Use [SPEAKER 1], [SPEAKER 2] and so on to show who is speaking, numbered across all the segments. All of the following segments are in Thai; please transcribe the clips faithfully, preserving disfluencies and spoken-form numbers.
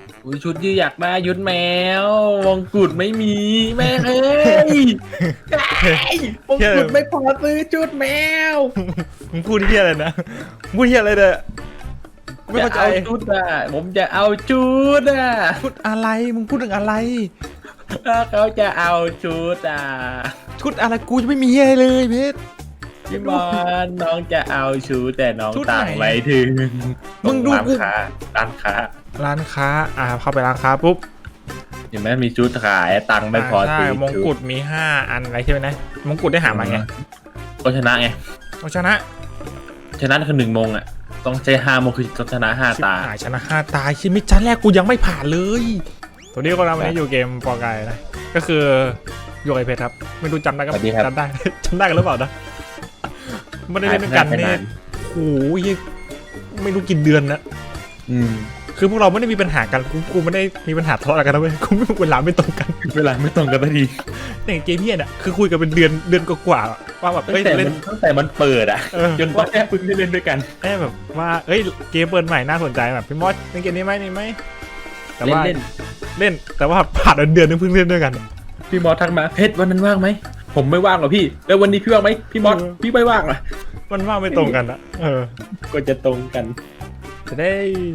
[SPEAKER 1] อุ้ยชุดยืดอยากได้ยุดแมวมงกุฎไม่มีแม่เอ้ยมงกุฎไม่พอซื้อชุดแมว
[SPEAKER 2] มึงพูดเฮียอะไรนะมึงพูดเฮียอะไรเนี่ยไม่
[SPEAKER 1] จะ
[SPEAKER 2] เข้าใจ
[SPEAKER 1] เอาชุดอ่ะผมจะเอาชุดอ่ะ
[SPEAKER 2] ชุดอะไรมึงพูดถึงอะไร
[SPEAKER 1] ถ้าเขาจะเอาชุดอ่ะ
[SPEAKER 2] ชุดอะไรกูจะไม่มีอะไรเลยเพชร
[SPEAKER 1] พี่บอลน้องจะเอาชุดแต่น้อง
[SPEAKER 2] ชุดไหน
[SPEAKER 1] ต่างไว้ถึง
[SPEAKER 2] มึงดู
[SPEAKER 1] ร้าน
[SPEAKER 2] กู
[SPEAKER 1] ค้าร้านค้า
[SPEAKER 2] ร้านค้าอ่าเข้าไปร้านค้าปุ๊บ
[SPEAKER 1] เห็นไหมมีชุดขายตังค์ไม่พอ
[SPEAKER 2] ใช่
[SPEAKER 1] ซื้อ
[SPEAKER 2] มงกุฎมีห้าอันอะไรใช่ไหมนะมงกุฎได้หามาไง
[SPEAKER 1] ก็ชนะไง
[SPEAKER 2] เอาชนะ
[SPEAKER 1] ชนะคือหนึ่งโมงอ่ะต้องใช้ห้าโมงคือต้องชนะห้าตา
[SPEAKER 2] หายชนะห้าตาชิมิชั้นแรกกูยังไม่ผ่านเลยตัวนี้ก็เราวันนี้อยู่เกมปอกายนะก็คืออยู่ไอเพชรครับไม่รู้จำได้ก็จำได้ จำได้กันหรือเปล่านะไม่ได้เล่นด้วยกันเนี่ยโอ้ยไม่รู้กี่เดือนนะ
[SPEAKER 1] อืม
[SPEAKER 2] คือพวกเราไม่ได้มีปัญหากันกูกูไม่ได้มีปัญหาทะเลาะอะไรกันนะเว้ยกูไม่เวลาไม่ตรงกัน
[SPEAKER 1] เวลาไม่ตรงกันสักที
[SPEAKER 2] แต่เกมเฮียเนี่ยคือคุยกันเป็นเดือนเดือนกว่าๆว่าแบบ
[SPEAKER 1] ตั้
[SPEAKER 2] เอ้ย
[SPEAKER 1] งแต่
[SPEAKER 2] เล่
[SPEAKER 1] มัน นตั้งแต่มันเปิดอ่ะ
[SPEAKER 2] เออ
[SPEAKER 1] จนตอนแรกเพิ่งได้เล่นด้วยกัน
[SPEAKER 2] แค่แบบว่าเอ้ยเกมเปิดใหม่น่าสนใจแบบพี่มอสเล่นเกมนี้ไหมนี่ไหมแต่
[SPEAKER 1] เล่น
[SPEAKER 2] ว่า
[SPEAKER 1] เล่น
[SPEAKER 2] เล่นแต่ว่าผ่านเดือนนึงเพิ่งเล่นด้วยกัน
[SPEAKER 1] พี่มอสทักมาเพชรวันนั้นว่างไหมผมไม่ว่างหรอกพี่แล้ววันนี้พี่ว่างไหมพี่มอสพี่ไม่ว่างเหรอ
[SPEAKER 2] มันว่าไม่ตรงกันอะเออ
[SPEAKER 1] ก็จะตรงกัน
[SPEAKER 2] จะได้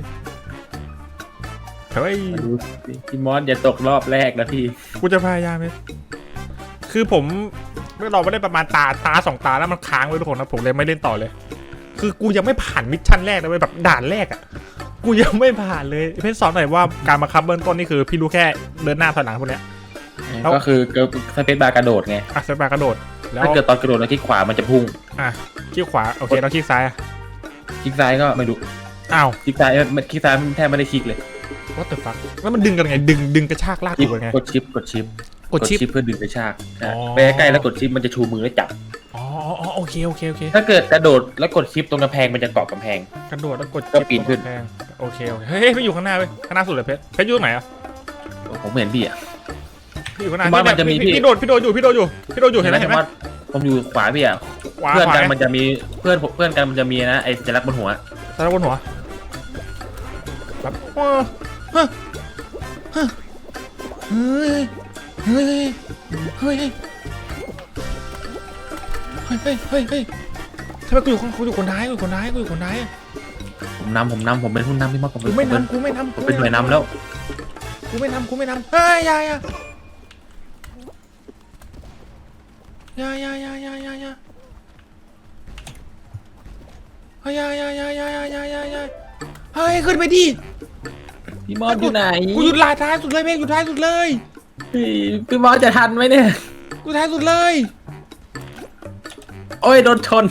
[SPEAKER 2] เฮ้ย
[SPEAKER 1] มาดูสิพี่มอสอย่าตกรอบแรกนะพี่
[SPEAKER 2] กูจะพยายามไหมคือผมเราไม่ได้ประมาณตาตาสองตาแล้วมันค้างไว้ทุกคนนะผมเลยไม่เล่นต่อเลย คือกูยังไม่ผ่านมิชชั่นแรกเลยแบบด่านแรกอะกูยังไม่ผ่านเลยเพื่อนสอนหน่อยว่าการบังคับเบื้องต้นนี่คือพี่รู้แค่เดินหน้าถอยหลังพวกเนี้ย แล้ว
[SPEAKER 1] ก็คือสเปซบาร์กระโดดไง
[SPEAKER 2] อ่ะสเปรกระโดดแล้ว
[SPEAKER 1] ถ้าเกิดตอนกระโดดแล้วที่ขวามันจะพุ่ง
[SPEAKER 2] อ่ะคลิกขวาโอเคแล้วคลิกซ้ายอ่ะ
[SPEAKER 1] คลิกซ้ายก็ไม่รู้
[SPEAKER 2] อ้าว
[SPEAKER 1] คลิกซ้ายไม่คลิกซ้ายแทบไม่ได้คลิกเลย
[SPEAKER 2] what the fuck แล้วมันดึงกันไงดึงดึงกระชากลากถูกไง
[SPEAKER 1] กดชิปกดชิป
[SPEAKER 2] กดชิป
[SPEAKER 1] เพื่อดึงกระชาก
[SPEAKER 2] อ๋อ
[SPEAKER 1] ไปใกล้ๆแล้วกดชิปมันจะชูมือแล้วจับ
[SPEAKER 2] อ๋ออ๋อโอเคโอเคโอเค
[SPEAKER 1] ถ้าเกิดกระโดดแล้วกดชิปตรงกำแพงมันจะเกาะกำแพง
[SPEAKER 2] กระโดดแล้วกด
[SPEAKER 1] ก็ปีนขึ้น
[SPEAKER 2] แพงโอเคโอเคเฮ้ยไม่อยู่ข้างหน้าเว้ยข้างหน้าสุดเลยเพชรเพชรอยู่ตรงไหนอ่ะ
[SPEAKER 1] ผมเห็นพี่อ่ะ
[SPEAKER 2] พี่อยู่ข้างหน้า
[SPEAKER 1] ผมว่ามันจะมีพี่
[SPEAKER 2] พี่โดดพี่โดดอยู่พี่โดดอยู่พี่โดดอยู่เห็นไหมเห็นไหม
[SPEAKER 1] ผมอยู่ขวาพี่อ่ะ
[SPEAKER 2] ขวา
[SPEAKER 1] เพื่อน
[SPEAKER 2] ขวา
[SPEAKER 1] กันมันจะมีเพื่อนเพื่อนกันมันจะมีนะไอ้สัญลักษณ์บนหัว
[SPEAKER 2] ตาบนหัวแบบว้าเฮ้ยเฮ้ยเฮ้ยเฮ้ยเฮ้ยเฮ้ยเฮ้ยเฮ้ยเฮ้ยทำไมกูอยู่กูอยู่คนท้ายกูอยู่คนท้ายกูอยู่คนท้าย
[SPEAKER 1] ผมนำผมนำผมเป็นผู้นำพี่มอสผม
[SPEAKER 2] กู
[SPEAKER 1] เป็น
[SPEAKER 2] ไม่
[SPEAKER 1] ผมเป็น
[SPEAKER 2] นำกูไม่นำ
[SPEAKER 1] ผมเป็นหน่วยนำแล้ว
[SPEAKER 2] กูไม่นำกูไม่นำเฮ้ยยายายายายายายายาเฮ้ยยายายายายายายายาเฮ้ยขึ้นไปดิ
[SPEAKER 1] พี่มอสอยู่ไหน
[SPEAKER 2] กูหยุดลายท้ายสุดเลยเมฆหยุดท้ายสุดเลย
[SPEAKER 1] พี่พี่มอสจะทันไหมเนี่ย
[SPEAKER 2] กูท้ายสุดเลย
[SPEAKER 1] โอ้ยโดนชน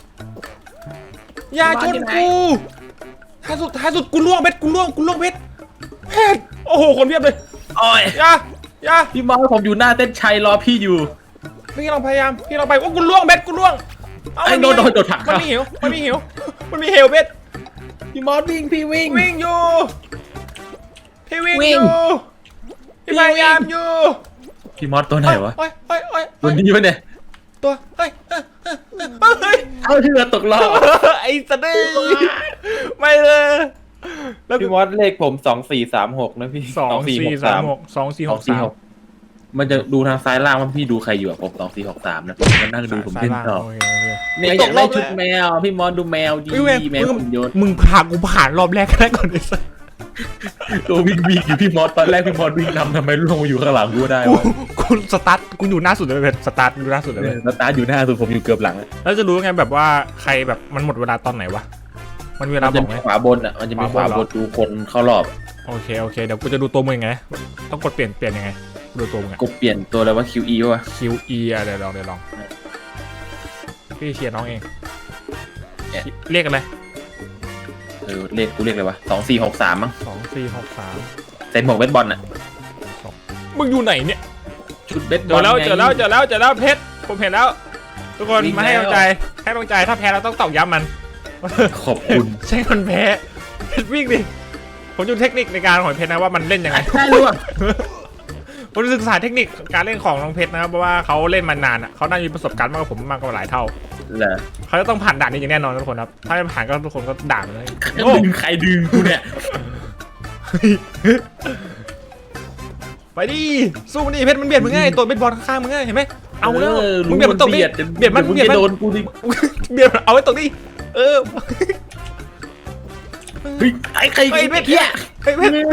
[SPEAKER 2] อย่าชนกูท้ายสุดท้ายสุดกูล่วงเพชรกูล่วงกูล่วงเพชรเพชรโอ้โหคนเพียบเลย
[SPEAKER 1] โอ้ย
[SPEAKER 2] อย่าอย่า
[SPEAKER 1] พี่มอสผมอยู่หน้าเต้นชัยรอพี่อยู่
[SPEAKER 2] พี่ลองพยายามพี่ลองไปโอ้กูล่วงเพชรกูล่วง
[SPEAKER 1] ไอ้โดนโดนโดนถัง
[SPEAKER 2] มันมีเหวมันมีเหวมันมีเหวเพชร
[SPEAKER 1] พี่มอสวิ่งพี่วิ่ง
[SPEAKER 2] วิ่งอยู่พี่วิ่ง
[SPEAKER 1] วิ่
[SPEAKER 2] อง ยู่พี่พยายามอยู่
[SPEAKER 1] พี่มอสตัวไหนวะ
[SPEAKER 2] โอ้ยโอ้ยโอ้ย
[SPEAKER 1] ตัวนี้วะเนี่ย
[SPEAKER 2] ตัวเฮ้ยเฮ้ยเฮ้ย
[SPEAKER 1] เอาเรือตกรอบ
[SPEAKER 2] ไอ้สะดือไม่เลยแล้ว
[SPEAKER 1] พี่มอสเลขผมสองสี่สามหกนะพี่
[SPEAKER 2] สองสี่สามหกสองสี่หกสาม
[SPEAKER 1] มันจะดูทางซ้ายล่างว่าพี่ดูใครอยู่อะผมสองสี่หกสามนะผมมานั่งดูผมเล่นต่อ
[SPEAKER 2] โอเคโอเค
[SPEAKER 1] เนี่ยอยากได้ชุดแมวพี่มอสดูแมวดี
[SPEAKER 2] เว้ย
[SPEAKER 1] แมวหุ่นยนต์
[SPEAKER 2] มึงผ่านกูผ่านรอบแรกแค่ก่อนไอ้สัส
[SPEAKER 1] ตัววิ่งวิ่งอยู่พี่มอสตอนแรกพี่มอสวิ่งนำทำไมล่วงมาอยู่ข้างหลังกูได้
[SPEAKER 2] กู
[SPEAKER 1] วะ
[SPEAKER 2] กูสตาร์ทกูอยู่หน้าสุดเลยเว้ยสตาร์ทอยู่หน้าสุดเลยเว้ย
[SPEAKER 1] แล้วตาอยู่หน้าสุดผมอยู่เกือบหลังอะ
[SPEAKER 2] แล้วจะรู้ไงแบบว่าใครแบบมันหมดเวลาตอนไหนวะมันมีเวลา
[SPEAKER 1] มัน
[SPEAKER 2] บ
[SPEAKER 1] จะ
[SPEAKER 2] อกไห
[SPEAKER 1] มี
[SPEAKER 2] ม
[SPEAKER 1] ขวาบนอ่ะมันจะมีขวาบนดูคนเข้ารอบ
[SPEAKER 2] โอเคโอเคเดี๋ยวกูจะดูตัวมึงยังไงต้องกดเปลี่ยนเปลี่ยนยังไงดูตัวมึงอะ
[SPEAKER 1] กดเปลี่ยนตัวอะไรว่า คิว อี วะ
[SPEAKER 2] Q E อ่ะเดี๋ยวลองเดี๋ยวลองพี่เชียร์น้องเองเรียกอะไร
[SPEAKER 1] เออเลขกูเรียกอะไรวะสองสี่หกสามมั้ง
[SPEAKER 2] สองสี่หกสาม
[SPEAKER 1] ใส่หมวกเบสบอลอ่ะ
[SPEAKER 2] มึงอยู่ไหนเนี่ย
[SPEAKER 1] ชุดเบส
[SPEAKER 2] เจ
[SPEAKER 1] บอ
[SPEAKER 2] อ
[SPEAKER 1] ล
[SPEAKER 2] แล้ว
[SPEAKER 1] ไง
[SPEAKER 2] เจอแล้วเจอแล้วเจอแล้วเพชรผมเห็นแล้ว ทุกคน
[SPEAKER 1] วิ่ง
[SPEAKER 2] มาให้
[SPEAKER 1] แล้ว
[SPEAKER 2] กำลังใจให้กำลังใจถ้าแพ้เราต้องตอกย้ำมัน
[SPEAKER 1] ขอบคุณ
[SPEAKER 2] ใช่คนแพ้เพชรวิ่งดิผมดูเทคนิคในการของเพชรนะว่ามันเล่นยังไง
[SPEAKER 1] ได้รู้อ่ะ
[SPEAKER 2] ผมศึกษาเทคนิคการเล่นของน้องเพชรนะครับเพราะว่าเขาเล่นมานานอ่ะเขาน่าจะมีประสบการณ์มากกว่าผมมากกว่าหลายเท่า
[SPEAKER 1] เหรอ
[SPEAKER 2] เขาจะต้องผ่านด่านนี้อย่างแน่นอนทุกคนครับถ้าไม่ผ่านก็ทุกคนก็ด่ามันเลย
[SPEAKER 1] ใครดึงใครดึงกูเนี่ย
[SPEAKER 2] ไปดิสู้มันดิเพชรมันเบียดมึงไงตัวเป็นบอลข้างๆมึงไงเห็นไหมเอาแล้วมึงเบียดมันตกดิเบียดมันเบียดมัน
[SPEAKER 1] โดนกูดิ
[SPEAKER 2] เบียดเอาไว้ตรงนี้เออ
[SPEAKER 1] เฮ้ยไอ้ใคร
[SPEAKER 2] ไอ้เพชรเฮียไอ้เพชร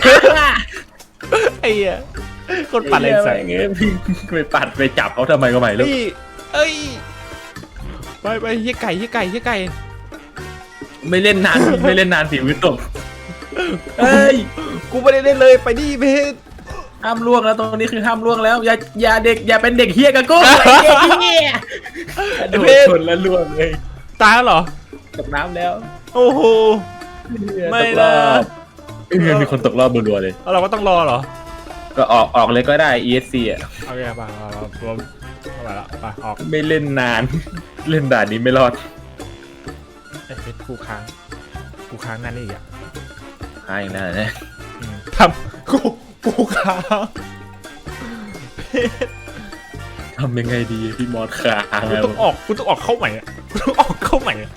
[SPEAKER 2] ไอ้เหี้ยคนปั่นเลยใส่
[SPEAKER 1] เงี้ยพี่ไปปัดไปจับเขาทำไมก็ไม่รู้
[SPEAKER 2] นี่เอ้ยไปไปเฮียไก่เฮียไก่เฮียไก่
[SPEAKER 1] ไม่เล่นนานไม่เล่นนานสิวิตกเฮ้ย
[SPEAKER 2] กูไม่ได้เล่นเลยไปดิเพชร
[SPEAKER 1] ห้ามล่วงแล้วตรงนี้คือห้ามล่วงแล้วอย่าอย่าเด็กอย่าเป็นเด็กเฮียกับกูไอ้เด็กเฮียโดนชนแล้วล่วงเลย
[SPEAKER 2] ตายแล้วเหรอ
[SPEAKER 1] ตกน้ำแล้ว
[SPEAKER 2] โอ้โห ไม่นะ
[SPEAKER 1] เออมีคนตกรอบรัวๆเลย
[SPEAKER 2] แล้วเราก็ต้องรอเหรอ
[SPEAKER 1] ก็ออกออกเลยก็ได้ อี เอส ซี อ่ะ
[SPEAKER 2] โอเคไปเราเราเราไปละไปออก
[SPEAKER 1] ไม่เล่นนาน เล่นด่านนี้ไม่รอด
[SPEAKER 2] ไอ้เพชรกูค้างกูค้างนั่นนี่อีกอ่ะ
[SPEAKER 1] หายอีกแล้วนะ
[SPEAKER 2] อืมทำกูกูค้าง
[SPEAKER 1] ทำยังไงดีพี่มอสค้าง
[SPEAKER 2] กูต้องออกกูต้องออกเข้าใหม่อ่ะกูต้องออกเข้าใหม่อ่ะ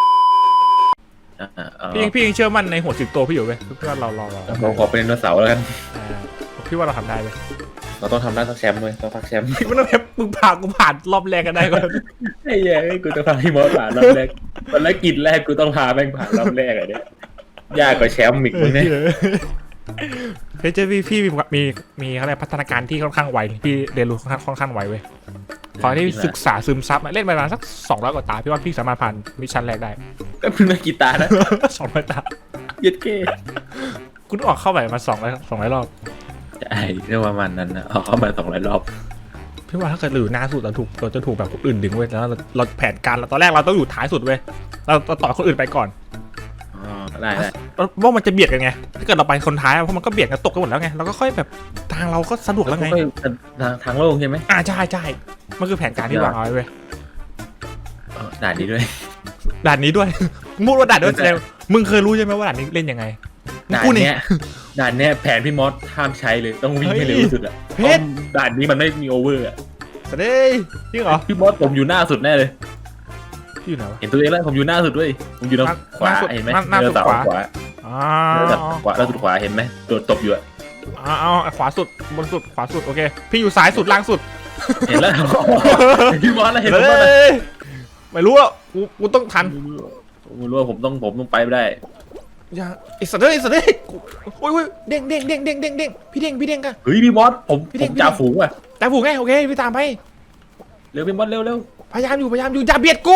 [SPEAKER 1] อ่ะเอา
[SPEAKER 2] พี่พี่ยังเชื่อมั่นในหัวสิบตัวพี่อยู่เว้ยพี่ว่าเราเราเรา
[SPEAKER 1] ผมขอเป็นไดโนเสาร์แล้วกัน
[SPEAKER 2] อ่าพี่ว่าเราทำได้เว้ย
[SPEAKER 1] เราต้องทำได้สักแชมป์เลยต้องพักแชมป์
[SPEAKER 2] พี่ไม่ต้องแค่มึงผ่านกูผ่านรอบแรกกันได้ก่อน
[SPEAKER 1] ไอ้เหี้ยกูจะพาพี่มอสผ่านรอบแรกภารกิจแรกกูต้องพาแม่งผ่านรอบแรกอะเนี่ยยากกว่าแชมป์อีกมึงเนี่ย
[SPEAKER 2] เพชรพี่พี่มีมีมีอะไรพัฒนาการที่ค่อนข้างไวพี่เรียนรู้ค่อนข้างค่อนข้างไวเว้ยขอที่ศึกษาซึมซับเล่นไปประมาณสักสองร้อยกว่าตาพี่ว่าพี่สามารถผ่านมิชชั่นแรกได้
[SPEAKER 1] ก็เพิ่งมากีตาร์นะ
[SPEAKER 2] สองร้อยตา
[SPEAKER 1] เย็ดเก้
[SPEAKER 2] กูต้องออกเข้าไปมาสองร้อยสองร้อยรอบ
[SPEAKER 1] ใช่เรื่องประมาณนั้นนะเอาเข้ามาสองร้อยรอบ
[SPEAKER 2] พี่ว่าถ้าเกิดเราอยู่หน้าสุดเราถูกเราจะถูกแบบคนอื่นดึงเว้ยแล้วเราเราแผนการเราตอนแรกเราต้องอยู่ท้ายสุดเว้ยเราเราต่อคนอื่นไปก่อน
[SPEAKER 1] อ๋อได้ได้
[SPEAKER 2] ว่ามันจะเบียดกันไงถ้าเกิดเราไปคนท้ายเพราะมันก็เบียดกันตกกันหมดแล้วไงเราก็ค่อยแบบทางเราก็สะดวกแล้วไง
[SPEAKER 1] ทางทางโล่งใช่ไหม
[SPEAKER 2] อ่าใช่ใช่มันคือแผนการที่วางเอาไว้เว้ย
[SPEAKER 1] เออด่านนี้ด้วย
[SPEAKER 2] ด่านนี้ด้วย พูดว่าด่านด้วยแสดงมึงเคยรู้ใช่ไหมว่าด่านนี้เล่นยังไง
[SPEAKER 1] ด่านเนี้ยด่านเนี้ยแผนพี่มอสห้ามใช้เลยต้องวิ่งให้เร็วที่สุดอะ
[SPEAKER 2] เพชร
[SPEAKER 1] ด่านนี้มันไม่มีโอเวอร์อะ
[SPEAKER 2] สวัสดีจริงเหรอ
[SPEAKER 1] พี่มอสผมอยู่หน้าสุดแน่เลย
[SPEAKER 2] พี่อยู่ไหนวะ
[SPEAKER 1] เห็นตัวเองแล้วผมอยู่หน้าสุดด้วยผมอยู่ทางขวา
[SPEAKER 2] หน้าสุด
[SPEAKER 1] เห็นไหม
[SPEAKER 2] หน้าหน้าสุด
[SPEAKER 1] เสา
[SPEAKER 2] ขวา
[SPEAKER 1] ขวา
[SPEAKER 2] อ๋อ
[SPEAKER 1] เนื้อแบบขวาล่าสุดขวาเห็นไหมโดดตบอยู่อะ
[SPEAKER 2] เอาเอาขวาสุดบนสุดขวาสุดโอเคพี่อยู่ซ้ายสุดล่างสุด
[SPEAKER 1] เห็นแล้ว พี่มอสแล้วเห็นผมว่า
[SPEAKER 2] เฮ้ยไม่รู้อ่ะกูกูต้องทัน
[SPEAKER 1] ผมไม่รู้ว่าผมต้องผมต้องไปไม่ได้
[SPEAKER 2] อย่าไอ้สัตว์เอ้ยไอ้สัตว์เอ้ยกูโอ้ยโอ้ยเด้งเด้งเด้งเด้งเด้งเด้งพี่เด้งพี่เด้งกัน
[SPEAKER 1] เฮ้ยพี่มอสผม
[SPEAKER 2] พี่
[SPEAKER 1] ผ
[SPEAKER 2] เด้ง
[SPEAKER 1] มจ่าฝูงอะ
[SPEAKER 2] แต่ผูกไงโอเคพี่ตามไป
[SPEAKER 1] เร็วพี่มอสเร็วเร็ว
[SPEAKER 2] พยายามอยู่พยายามอยู่อย่าเบียดกู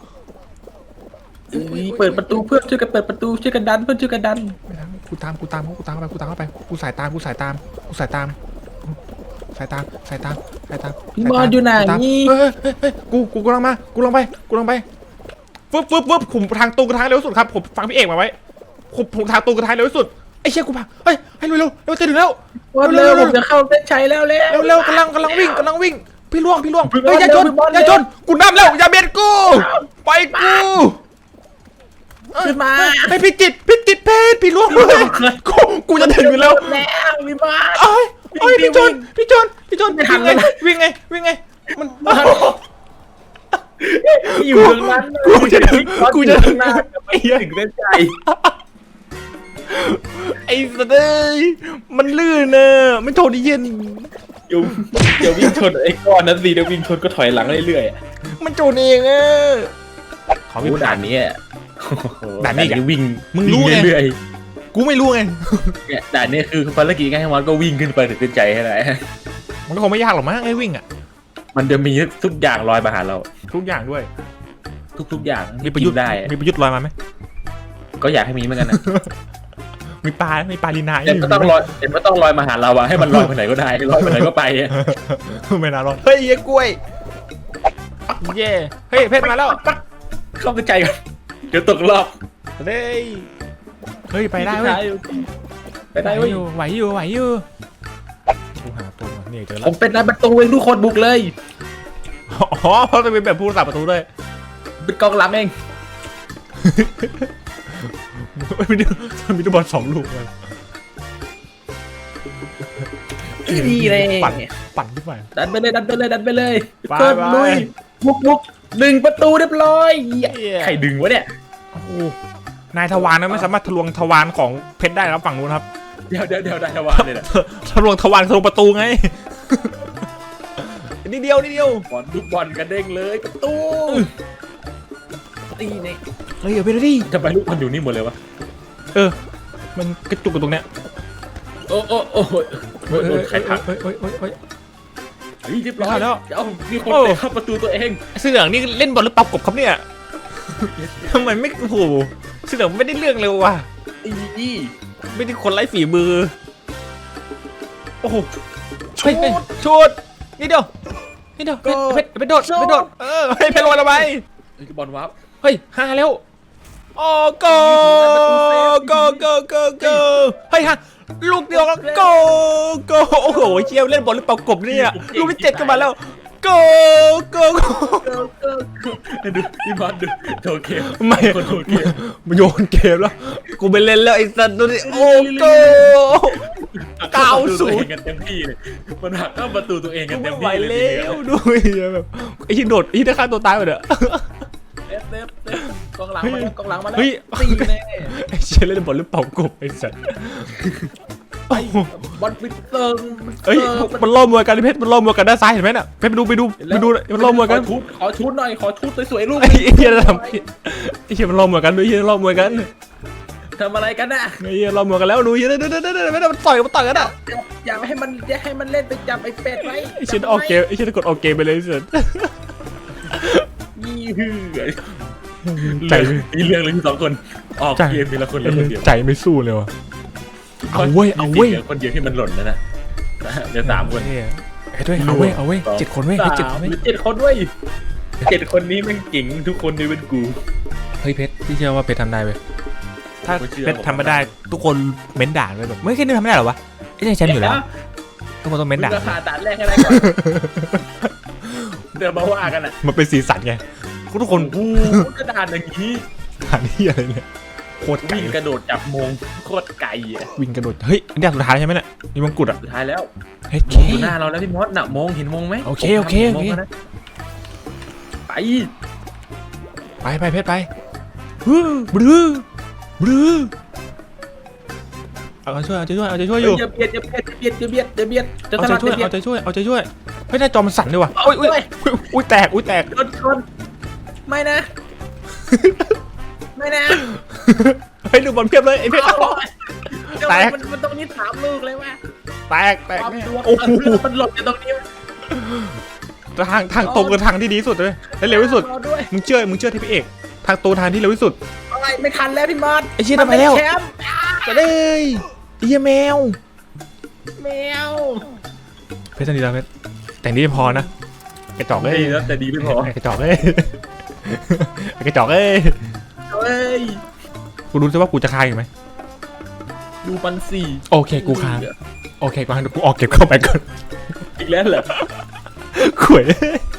[SPEAKER 1] อุ๊ยเปิดประตูเพื่อนช่วยกันเปิดประตูช่วยกันดันเพื่อนช่วยกันดัน
[SPEAKER 2] ไม่ทันกูตามกูตามกูตามเข้าไปกูตามเข้าไปกูสายตามกูสายตามกูสายตามสายตามสายตามสายตาม
[SPEAKER 1] พี่มอสอยู่ไหน
[SPEAKER 2] สายตาม
[SPEAKER 1] นี่
[SPEAKER 2] เฮ้ยเฮ้ยเฮ้ยกูกูกำลังมากูลงไปกูลงไปฟึบฟึบฟึบผมทางตรงกระทางเร็วที่สุดครับผมฟังพี่เอกมาไว้ผมผมทางตรงกระทางเร็วที่สุดไอ้เชี่ยกูพังเฮ้ยให้เร็วเร็วเร็วจะถึงแล้ว
[SPEAKER 1] มอสเร็วผมจะเข้าเส้นชัยแล้วเร็ว
[SPEAKER 2] เร็วเร็วกำลังกำลังวิ่งกำลังวิ่งพี่ล่วงพี่ล่วง
[SPEAKER 1] พี่บอล
[SPEAKER 2] เฮ้ยอย่าชน
[SPEAKER 1] เร็วพี่บอล
[SPEAKER 2] อย่าชนกูนำแล้วอย่าเบียดกูไปกู
[SPEAKER 1] ขึ้นมา
[SPEAKER 2] ไอ้พี่จิตพี่จิตเพชรพี่ล่วงเลยกูกูจะถึงอยู่แล้ว
[SPEAKER 1] แล้วพี่มอส
[SPEAKER 2] เอ้ยเอ้ย
[SPEAKER 1] วิ่
[SPEAKER 2] พี่
[SPEAKER 1] ง
[SPEAKER 2] จ
[SPEAKER 1] วิ่
[SPEAKER 2] น
[SPEAKER 1] ง
[SPEAKER 2] พี่จนพี่จน
[SPEAKER 1] ไม่ทั
[SPEAKER 2] วิ่
[SPEAKER 1] น
[SPEAKER 2] งไง
[SPEAKER 1] แล้ว
[SPEAKER 2] วิ่งไงวิ่งไงมัน
[SPEAKER 1] อยู่ตรงนั้น
[SPEAKER 2] กูจะถึงกูจะถึง
[SPEAKER 1] หน้า
[SPEAKER 2] ไอ้เหี้ย
[SPEAKER 1] ถึงเส้นชัย
[SPEAKER 2] ไอ้สัตว์เอ้ยมันลื่นเนอะไม่โทนเย็น
[SPEAKER 1] เดี๋ยวเดี๋ยววิ่งชนไอ้ก้อนนั้นสิเดี๋ยววิ่งชนก็ถอยหลังเรื่อยๆ
[SPEAKER 2] มันโจนเองอะขอ
[SPEAKER 1] โอ้
[SPEAKER 2] พี่
[SPEAKER 1] โหด่านนี้อะ
[SPEAKER 2] ด่านนี้อีกอะ
[SPEAKER 1] วิ่ง
[SPEAKER 2] มึงรู้ไง
[SPEAKER 1] วิ่เรื่อย
[SPEAKER 2] กูไม่รู้ไง
[SPEAKER 1] ๆเนี่ยด่านนี้คือภารกิจง่ายๆมันก็วิ่งขึ้นไปถึงเส้นชัยให้ได้
[SPEAKER 2] มันก็คงไม่ยากหรอกมั้งไอ้วิ่งอะ
[SPEAKER 1] มันจะมีทุกอย่างลอยมาหาเรา
[SPEAKER 2] ทุกอย่างด้วย
[SPEAKER 1] ทุกๆอย่าง
[SPEAKER 2] มีประยุทธ์
[SPEAKER 1] กินได้อะ
[SPEAKER 2] มีประยุทธ์ลอยมาไหม
[SPEAKER 1] ก็อยากให้มีเหมือนกันนะ
[SPEAKER 2] มีปลามีปลาลีนา
[SPEAKER 1] แต่ก็ต้องลอยแต่ก็ต้องลอยมาหาเราอะให้มันลอยไปไหนก็ได้ลอยไปไหนก็ไปอะ
[SPEAKER 2] ไม่น่ารอดเฮ้ยเย้กล้วยเย่เฮ้ยเพชรมาแล้ว
[SPEAKER 1] เข้าเส้นชัยกันเดี๋ยวตกรอบ
[SPEAKER 2] เฮ้ยเฮ้ยไปได้เว้ย
[SPEAKER 1] ไปได้เว้ย
[SPEAKER 2] ไหวอยู่ไหวอยู่กูหาตัวก่อนนี่เจอ
[SPEAKER 1] ผ
[SPEAKER 2] แล้ว
[SPEAKER 1] มเป็นนายประตูเองทุกคนบุกเลย
[SPEAKER 2] อ๋อเพราะจะเป็นแบบผู้รักษาประตูด้วย
[SPEAKER 1] เป็นกองหลังเอง
[SPEAKER 2] มีดูมีดูบอลสองลูกเลย
[SPEAKER 1] ดีเลย
[SPEAKER 2] ปั่นปั่นขึ้นไป
[SPEAKER 1] ดันไปเลยดันไปเลยดันไปเลย
[SPEAKER 2] ไป
[SPEAKER 1] เกิด
[SPEAKER 2] ไป
[SPEAKER 1] ลุยบุกบุกดึงประตูเรียบร้อย
[SPEAKER 2] เหี้ย
[SPEAKER 1] ใครดึงวะเนี่ย
[SPEAKER 2] โอ้โหนายทวารนะไม่สามารถทะลวงทวารของเพชรได้ครับฝั่งนู้นครับ
[SPEAKER 1] เดี๋ยวเดี๋ยวเดี๋ยวได้ทวารเลยนะ
[SPEAKER 2] ทะลวงทวารทะลวงประตูไง นิดเดียวนิดเดียว
[SPEAKER 1] บอลลูกบอลกระเด้งเลยประตูตีเนี่ย
[SPEAKER 2] เฮ้ยเอาไปเลยดิ
[SPEAKER 1] ทำไมลูกบอลอยู่นี่หมดเลยวะ
[SPEAKER 2] เออมันกระจุกกันตรงเนี้ย
[SPEAKER 1] โอ้โอ้โอ้โห
[SPEAKER 2] เฮ้ย
[SPEAKER 1] โด
[SPEAKER 2] เฮ้
[SPEAKER 1] น
[SPEAKER 2] ย
[SPEAKER 1] ใครผลัก
[SPEAKER 2] เฮ้ยเฮ้ยเฮ้ยเฮ้ย
[SPEAKER 1] เฮ้ยเรียบร้อย
[SPEAKER 2] แล้ว
[SPEAKER 1] เอ้ามีคนเตะเข้าประตูตัวเอง
[SPEAKER 2] เสื้อเหลืองนี่เล่นบอลหรือเปล่ากบครับเนี่ยทำไมไม่โอ้โหเสื้อเหลืองไม่ได้เรื่องเลยว่ะ
[SPEAKER 1] อีอี
[SPEAKER 2] ไม่ได้คนไร้ฝีมือโอ้โห
[SPEAKER 1] ชุ
[SPEAKER 2] เฮ้ย
[SPEAKER 1] ด
[SPEAKER 2] เฮ้ยชุดนี่เดียวนี่เดียวเพชรเพชรเพชรโดดเพชรโดดเออให้เพชรลอยทำไม
[SPEAKER 1] เฮ้ยบอลวับ
[SPEAKER 2] เฮ้ยห้าแล้วโอ้โกโกโกโกโกเฮ้ยฮะลูกเดียวแล้วโกโกโอ้โหเชี่ยวเล่นบอลหรือเปล่ากบเนี่ยลูกที่เจ็ดกันมาแล้วโกโกโก
[SPEAKER 1] เกิร์เกิร์เกิร์ดูพี่บอลดูโถเกม
[SPEAKER 2] ไม่
[SPEAKER 1] คนโถเกม
[SPEAKER 2] โยนเกมแล้วกูไปเล่นแล้วไอ้สัตว์ดูดิโอ้โกเก้าศูนย์
[SPEAKER 1] กันเต็มที่เลยมันหักเข้าประตูตัวเองกั
[SPEAKER 2] กู
[SPEAKER 1] นเต็
[SPEAKER 2] ไม่
[SPEAKER 1] ม
[SPEAKER 2] ไหว
[SPEAKER 1] ที่เลย
[SPEAKER 2] แล้วดูแบบไอ้ที่โดดไอ้ที่ได้ฆ่าตัวตายไปเด้อ
[SPEAKER 1] เต็มเต็มเต็มกองหลังมาแล้วกองหลังมาแล้ว
[SPEAKER 2] เฮ้ย
[SPEAKER 1] ตีแน่
[SPEAKER 2] ไอ้เชี่ยเล่นบอลหรือเปล่ากบไอ้สัตว์
[SPEAKER 1] ไปบอลฟิตเติง
[SPEAKER 2] เฮ้ยมันล่อมวยกันเพชรมันล่อมวยกันด้านซ้ายเห็นไหมน่ะเพชรไปดูไปดูไปดูมันล่อมวยกัน
[SPEAKER 1] ขอชุดขอชุดหน่อยขอชุดสวยๆลูก
[SPEAKER 2] ไอ้เหี้ยทำไอ้เหี้ยมันล่อมวยกันดูไอ้เหี้ยล่อมวยกัน
[SPEAKER 1] ทำอะไรกันน่ะ
[SPEAKER 2] ไอ้เหี้ยล่อมวยกันแล้วดูเหี้ยเด้อเด้อเด้อเด้อไม่ได้มันต่อยมันต่อยกันอ่ะ
[SPEAKER 1] อย่าอย่าให้มันอย่าให้มันเล่นไปจับไอ้เป็ดไว้
[SPEAKER 2] ไอ้เชี่ยออกเกมไอ้เชี่ยกดออกเกมไปเลยเสร็จ
[SPEAKER 1] ยี่หือ
[SPEAKER 2] ใจ
[SPEAKER 1] มีเรื่องเลยที่สองคนออกเกมทีละคนเลยคนเดียว
[SPEAKER 2] ใจไม่สู้เลยว่ะเอาเว้ยเอาเว้ย
[SPEAKER 1] หลืคนเดียวที่มันหล่นนะนะเดี๋ยวสามคน
[SPEAKER 2] เฮ้ยด้วยเอาเว้ยเอาเว้ยเจ็ดคนเว้ยเจ็ดคนเว้ย
[SPEAKER 1] เจ็ดคนด้วยเจ็ดคนนี้แม่งเก่งทุกคนในเป็นกู
[SPEAKER 2] เฮ้ยเพชรพี่เชื่อว่าเพชรทำได้เว้ยถ้าเพชรทำไม่ได้ทุกคนเม้นด่าเลยแบบไม่แค่นี้ทำไม่ได้หรอวะไอ้เนี่ยแชมป์อยู่แล้วทุกคนต้องเม้นด่า
[SPEAKER 1] ราคาตัดแรกให้ได้ก่อนเดี๋ยวมาว่ากันอ่ะ
[SPEAKER 2] มันเป็นสีสันไงทุกคน
[SPEAKER 1] โอ้กระดานอย่างนี้
[SPEAKER 2] ด่านี่อะไรเนี่ยโคตรไก่
[SPEAKER 1] วิ่งกระโดดจับมงโคตรไก่อ่ะ
[SPEAKER 2] วิ่งกระโดดเฮ้ยอันนี้สุดท้ายใช่ไหมเนี่ยมีมงกุฎอ่ะ
[SPEAKER 1] สุดท้ายแล้ว
[SPEAKER 2] เฮ้ย
[SPEAKER 1] อยู่หน้าเราแล้วพี่มดน่ะมงเห็นมงไหม
[SPEAKER 2] โอเคโอเคโอเค
[SPEAKER 1] ไป
[SPEAKER 2] ไปไปเพชรไปฮึบลื้อบลื้อเอาใจช่วยเอาใจช่วยเอาใจช่วยอยู่
[SPEAKER 1] อย่าเบียดอย่าเบียดอย่าเบียดอย่าเบียดอย่าเบียดจะ
[SPEAKER 2] เอา
[SPEAKER 1] ทะ
[SPEAKER 2] ใจ
[SPEAKER 1] ลัก
[SPEAKER 2] ช่วย
[SPEAKER 1] จะเบียด
[SPEAKER 2] เอาใจช่วยเอาใจช่วยเฮ้ยหน้าจอมันสั่นด้วยว่ะอุ้ยอุ้ยอุ้ยแตกอุ้ยแตก
[SPEAKER 1] โดนชนไม่นะไม่นะ
[SPEAKER 2] เฮ้ยดูบอลเพียบเลยไอ้เพชร แตก
[SPEAKER 1] มันมันตรงนี้สามลูกเลยว่ะ
[SPEAKER 2] แตกแตก
[SPEAKER 1] ความดวง
[SPEAKER 2] โอ้โห
[SPEAKER 1] มันหล่นอยู่ตรงนี้
[SPEAKER 2] ทางทางตรงคือทางที่ดีที่สุดเลยและเร็วที่สุด
[SPEAKER 1] รอด้วย
[SPEAKER 2] มึงเชื่อมึงเชื่อที่พี่เอกทางตรงทางที่เร็วที่สุด
[SPEAKER 1] อะไรไม่ทันแล้วพี่มอส
[SPEAKER 2] ไอ้เชี่ยทำไมแล้ว
[SPEAKER 1] นเป็นชมป์
[SPEAKER 2] จะได้ไอ้เหี้ยแมว
[SPEAKER 1] แมว
[SPEAKER 2] เพชรสันดีแล้วเพชรแต่งนี้ไม่พอนะกระจอกเอ้ย
[SPEAKER 1] ดีแล้วแต่ดีไม่พอก
[SPEAKER 2] ระจอกเอ้ยกระจอกเอ้ย
[SPEAKER 1] เฮ้ย
[SPEAKER 2] กูรู้ใช่ว่ากูจะคายอยู่ไหม
[SPEAKER 1] ดูปันสี่
[SPEAKER 2] โอเคกูค้างโอเคกูค้างเดี๋ยวกูออกเก็บเข้าไปก่อน
[SPEAKER 1] อีกแล้วเหรอ
[SPEAKER 2] ขวย